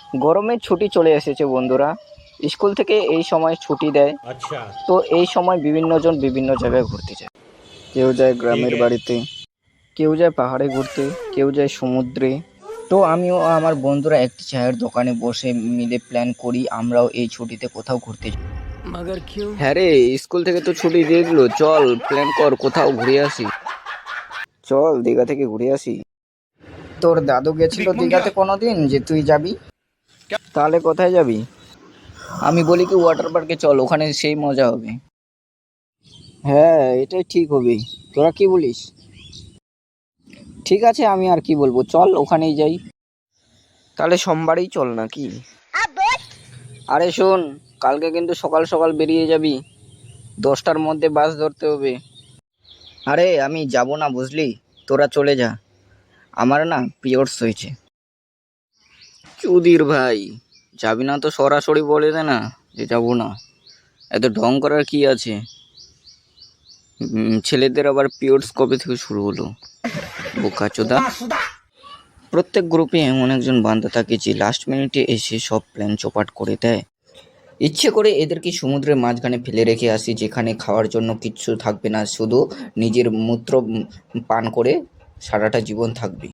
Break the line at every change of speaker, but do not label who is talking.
গরমের ছুটি চলে এসেছে বন্ধুরা। স্কুল থেকে এই সময় ছুটি দেয়।
अच्छा।
তো এই সময় বিভিন্ন জন বিভিন্ন জায়গায় ঘুরতে যায়। কেউ যায়
ठीक
গ্রামের
है।
বাড়িতে, কেউ যায় পাহাড়ে ঘুরতে, কেউ যায় সমুদ্রে। তো আমিও আমার বন্ধুরা একটি চায়ের দোকানে বসে মিলে প্ল্যান করি আমরাও এই ছুটিতে কোথাও ঘুরতে যাই।
मगर क्यों?
হ্যাঁ রে, স্কুল থেকে তো ছুটি দিয়ে দিল, চল প্ল্যান কর কোথাও ঘুরে আসি। চল দীঘা থেকে ঘুরে আসি। তোর দাদু গেছিল দীঘাতে কোনোদিন যে তুই যাবি? তাহলে কোথায় যাবি? আমি বলি কি ওয়াটার পার্কে চল, ওখানে সেই মজা হবে। হ্যাঁ এটাই ঠিক হবে, তোরা কি বলিস? ঠিক আছে, আমি আর কি বলবো, চল ওখানেই যাই। তাহলে সোমবারই চল নাকি? আরে শোন, কালকে কিন্তু সকাল সকাল বেরিয়ে যাবি, 10টার মধ্যে বাস ধরতে হবে। আরে আমি যাব না বুঝলি, তোরা চলে যা, আমার না পিরিয়ডস হয়েছে। চুদির ভাই, যাবি না তো সরাসরি বলে দে না যে যাবো না, এত ঢং করার কি আছে? ছেলেদের আবার পিরিয়ডস কবে থেকে শুরু হলো, বোকাচোদা। প্রত্যেক গ্রুপে এমন একজন বান্দা থাকে যে লাস্ট মিনিটে এসে সব প্ল্যান চোপাট করে দেয়। ইচ্ছে করে এদেরকে সমুদ্রের মাঝখানে ফেলে রেখে আসি, যেখানে খাওয়ার জন্য কিচ্ছু থাকবে না, শুধু নিজের মূত্র পান করে সারাটা জীবন থাকবি।